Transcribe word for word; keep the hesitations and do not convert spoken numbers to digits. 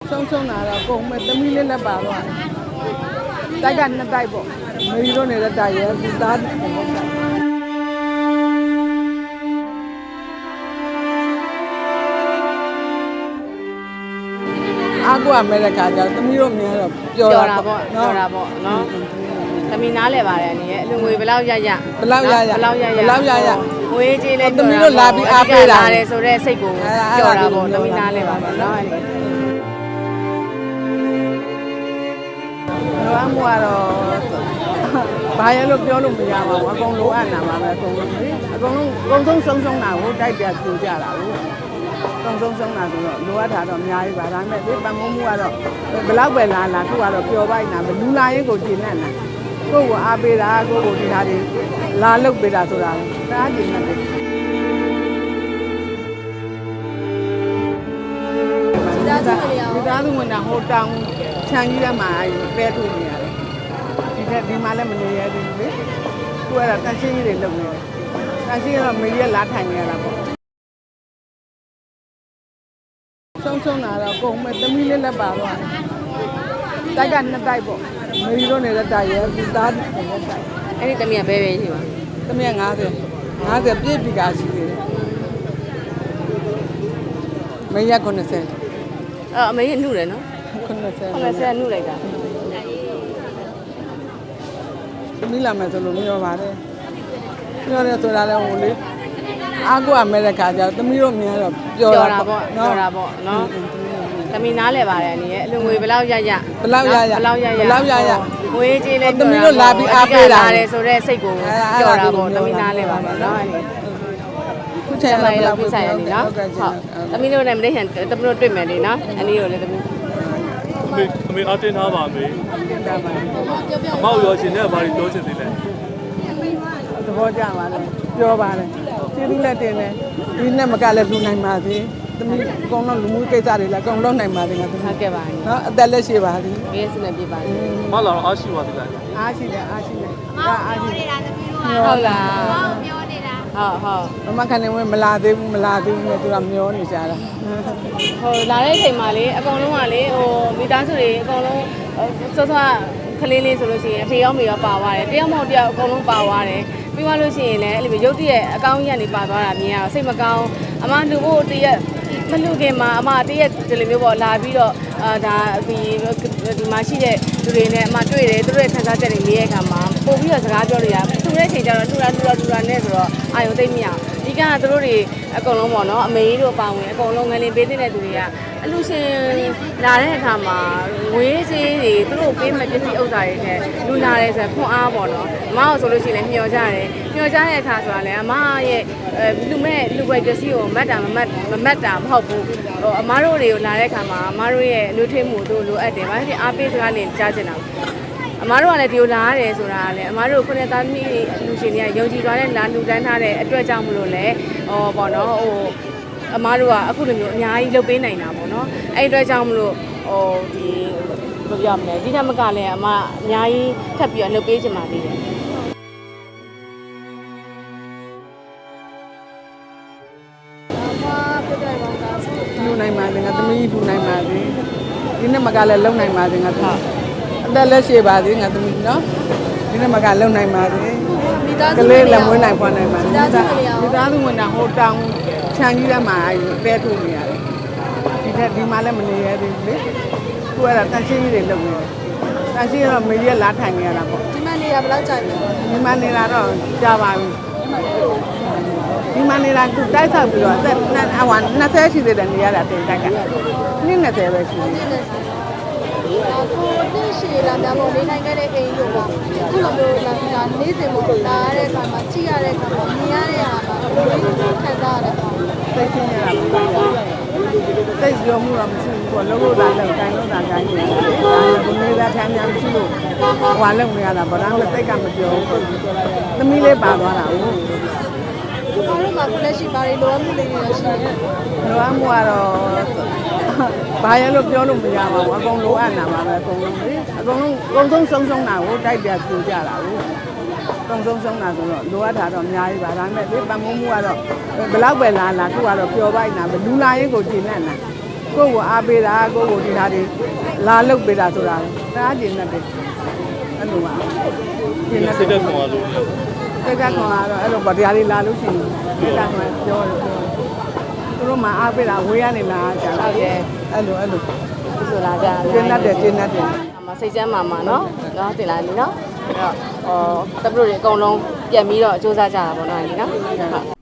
ဆုံးဆုံးလာတော့ကုန်မဲ့သမီးလေးလည်းပါတော့တိုက်ကနှစ်တိုက်ပေါ့မေရီတို့နေတဲ့တိုက်ရဲ့ဒီသားအားကိုအမေရိကန်ကြောင့်သမီးတို့များတော့ပျော်တာပေါ့ပျော်တာပေါ့နော်သမီးနားလဲပါတယ်အနေနဲ့အလူငွေဘယ်လောက်ရရဘယ်လောက်ရရဘယ်လောက်ရရဘယ်လောက်ရရငွေကြေးလဲသမီးတို့လာပြီးအားပေးတာတယ်ဆိုတော့စိတ်ကိုပျော်တာပေါ့သမီးနားလဲပါပေါ့နော်လောအမှုကတော့ဘာရလို့ပြောလို့မရပါဘူးအကုန်လိုအပ်နာမှာပဲအကုန်လုံးအကုန်လုံးအကုန်ဆုံးဆုံးဆုံးတာကိုတိုက်ပြပြကြတာကိုဆုံးဆုံးဆုံးတာဆိုတော့လိုအပ်တာတော့အများကြီးပါဒါပေမဲ့ဒီပတ်မုံမှုကတော့ဘလောက်ပဲလာလာခုကတော့ပျော်ပိုက်နာဘလူလာရင်ကိုကျင်နဲ့နာကိုယ့်ကိုအားပေးတာကိုယ့်ကိုဒီဟာတွေလာလုတ်ပေးတာဆိုတာတအားကျင်နဲ့ဒီသားသူဝင်တာဟိုတောင်ခြံကြီးထဲမှာပဲထုတ်နေရတယ်ဒီထက်ဒီမှာလည်းမနေရသေးဘူးလေသူကတန်ရှင်းကြီးတွေလုပ်နေတယ်တန်ရှင်းကတော့မေကြီးကလာထိုင်နေရတာပေါ့ဆုံးဆုံးလာတော့ကုန်မဲ့သမီးလေးလည်းပါတော့တိုက်ကနှစ်တိုက်ပေါ့မေရီတို့နေတဲ့တိုက်ရဲ့ဒီသားနေတဲ့တိုက်အဲ့ဒီသမီးကဘဲပဲရှိပါသမီးက50 50ပြည့်ပြီကရှိသေးတယ်မေကြီးက90 အဲ့အမေကြီးနှုတ်တယ်နော် 90 90နှုတ်လိုက်တာသမီးလာမယ်ဆိုလို့မပြောပါနဲ့ပြောတယ်ဆိုတာလည်းဟိုလေအားကိုအမေရိကန်ကြောင့်သမီးတို့များတော့ပျော်တာပေါ့ပျော်တာပေါ့နော်သမီးနားလဲပါတယ်အနေနဲ့အလူငွေဘယ်လောက်ရရဘယ်လောက်ရရဘယ်လောက်ရရဘယ်လောက်ရရငွေကြေးလဲသမီးတို့လာပြီးအားပေးတာတယ်ဆိုတော့စိတ်ကိုပျော်တာပေါ့သမီးနားလဲပါပေါ့နော်အဲ့ဒီခုချိန်ကလည်းဘယ်လောက်ပြဆိုင်ရနေနော်ဟုတ်သမီးတို့လည်းမလေးဟန်သမီးတို့တွေ့မယ်လေနော်အနည်းကိုလည်းသမီးအမေအမေအတင်းထားပါမေအမောက်ရောရှင်နဲ့ဘာလို့ပြောချင်သေးလဲသဘောကျပါလေပြောပါလေကျေးဇူးလက်တင်တယ်ဒီနဲ့မကလည်းလူနိုင်ပါသေးသမီးအကုန်လုံးလူမှုကိစ္စတွေလည်းအကုန်လုံးနိုင်ပါသေးငါသမီးဟုတ်ကဲ့ပါနော်အသက်လက်ရှိပါသည်ဘေးစနေပြပါလေမလာတော့အားရှိပါသေးလားအားရှိတယ်အားရှိတယ်ဒါအားရှိတယ်ဟုတ်လားပြောနေတာဟုတ်ဟုတ်မမခဏဝင်မလာသေးဘူးမလာသေးဘူးနဲ့သူကမျောနေကြတာဟိုလာတဲ့အချိန်မှာလေအကုန်လုံးကလေဟိုမိသားစုတွေအကုန်လုံးစောစောကလေးလေးဆိုလို့ရှိရင်အဖေရောမေရောပါသွားတယ်တယောက်မဟုတ်တယောက်အကုန်လုံးပါသွားတယ်ပြီးသွားလို့ရှိရင်လည်းအဲ့လိုရုပ်တရက်အကောင်းကြီးကနေပါသွားတာမြင်ရတော့စိတ်မကောင်းအမလူဖို့တရက်မလူခင်မှာအမတရက်ဒီလိုမျိုးပေါ့လာပြီးတော့အာဒါဒီဒီမှာရှိတဲ့လူတွေနဲ့အမတွေ့တယ်သူတို့ရဲ့ခံစားချက်တွေမေးရတဲ့အခါမှာပို့ပြီးတော့စကားပြောလို့ရသူတဲ့အချိန်ကျတော့လူလာလူလာလူလာနဲ့ဆိုတော့အာယုံသိမ့်မရဒီကသူတို့တွေအကုန်လုံးပေါ့နော်အမေကြီးတို့ပါဝင်အကုန်လုံးငလင်ပေးတဲ့သူတွေကအလူရှင်လာတဲ့အခါမှာငွေကြေးတွေသူတို့ပေးမဲ့ပစ္စည်းဥစ္စာတွေနဲ့လူလာတယ်ဆိုတော့ခွန်အားပေါ့နော်အမအောင်ဆိုလို့ရှိရင်လည်းမျှော်ကြတယ်မျှော်ကြတဲ့အခါဆိုတာလည်းအမရဲ့လူမဲ့လူပွဲပစ္စည်းကိုမတ်တာမမတ်မမတ်တာမဟုတ်ဘူးဟိုအမတို့တွေကိုလာတဲ့အခါမှာအမတို့ရဲ့လူထွေးမှုတို့လိုအပ်တယ်ဘာဖြစ်အားပေးစကားလေးကြားချင်တာအမားတို့ကလည်းဒီလိုလာရတယ်ဆိုတာကလည်းအမားတို့ခုနှစ်သားသမီးလူရှင်တွေကယုံကြည်သွားတဲ့လာလူတန်းထားတဲ့အတွက်ကြောင့်မလို့လဲဟောပေါ့နော်ဟိုအမားတို့ကအခုလိုမျိုးအများကြီးလုပ်ပေးနိုင်တာပေါ့နော်အဲ့အတွက်ကြောင့်မလို့ဟိုဒီဘယ်လိုပြောမလဲဒီကမကလည်းအမအများကြီးထပ်ပြီးတော့လုပ်ပေးချင်ပါသေးတယ်လူနိုင်ပါသေးငါသမီးလူနိုင်ပါသေးဒီနဲ့မကလည်းလုံနိုင်ပါသေးငါသမီးအသက်လက်ရှိပါသေးငါသမီးနော်ဒီနေ့မကလုံနိုင်ပါသေးကလေးလည်းမွေးနိုင်ဖွားနိုင်ပါသေးဒီသားသူဝင်တာဟိုတောင်ခြံကြီးထဲမှာပဲထုတ်နေရတယ်ဒီထက်ဒီမှာလည်းမနေရသေးဘူးလေသူကတန်ရှင်းကြီးတွေလုပ်နေတယ်တန်ရှင်းကတော့မေကြီးကလာထိုင်နေရတာပေါ့ဒီမှာနေတာဘယ်လောက်ကြာပြီဒီမှာနေတာတော့ကြာပါပြီဒီမှာနေတာသူတိုက်ဆောက်ပြီးတော့အသက်အဝ20ရှိသေးတယ်နေရတာတင်တိုက်ကနှစ်20ပဲရှိသေးတယ်ကိုနှစ်ရှည်လာများပေါ့နေနိုင်ခဲ့တဲ့အိမ်တို့ပေါ့ခုလိုမျိုးလာဒါနေ့စဉ်ပေါ့လာရတဲ့အခါမှာကြည့်ရတဲ့အခါမှာမြင်ရတဲ့အခါမှာဘယ်လိုခံစားရလဲပေါ့သိချင်းရတာသိကြောမှုတော့မရှိဘူးပေါ့လုံးလို့လာလောက်တိုင်းလို့လာတိုင်းနေတယ်ဒါကမေးသားထမ်းများမရှိလို့ဟွာလုံနေရတာဗောဒါမှသိကမပြောဘူးသမီးလေးပါသွားတာဟုတ်ဘာလို့မှကိုလက်ရှိဘာတွေလိုအပ်မှုတွေရှိလဲလိုအပ်မှုကတော့ဘာရလို့ပြောလို့မရပါဘူးအကုန်လိုအပ်နာပါပဲအကုန်လုံးလေအကုန်လုံးအကုန်ဆုံးဆုံးဆုံးတာကိုတိုက်ပြပြကြတာကိုအကုန်ဆုံးဆုံးတာဆိုတော့လိုအပ်တာတော့အများကြီးပါဒါပေမဲ့ဒီပတ်မုံမှုကတော့ဘယ်လောက်ပဲလာလာသူကတော့ပျော်ပိုက်နာပဲလူလာရင်ကိုကျင်နဲ့နာကိုယ့်ကိုအားပေးတာကိုယ့်ကိုဒီဟာတွေလာလုတ်ပေးတာဆိုတာတအားကျင်တတ်တယ်အဲ့လိုပါကျင်တတ်စိတ်တသက် က်ခွန်အားလို့စိတ်ကခွန်အားတော့အဲ့လိုဗတရားလေးလာလို့ရှိရင်စိတ်ကခွန်ပြောတယ်ပြောသူတို့မှအားပေးတာဝေးရနေလားကြာဟုတ်တယ်အဲ့လိုအဲ့လိုဒီဆိုလာကြကျင်တတ်တယ်ကျင်တတ်တယ်အမစိတ်ချမ်းမာမှာနော်နော်တင်လာပြီနော်အဲ့တော့ဟောတပည့်တို့တွေအကုန်လုံးပြန်ပြီးတော့စူးစမ်းကြတာပေါ့နော်ဒီနော်ဟုတ်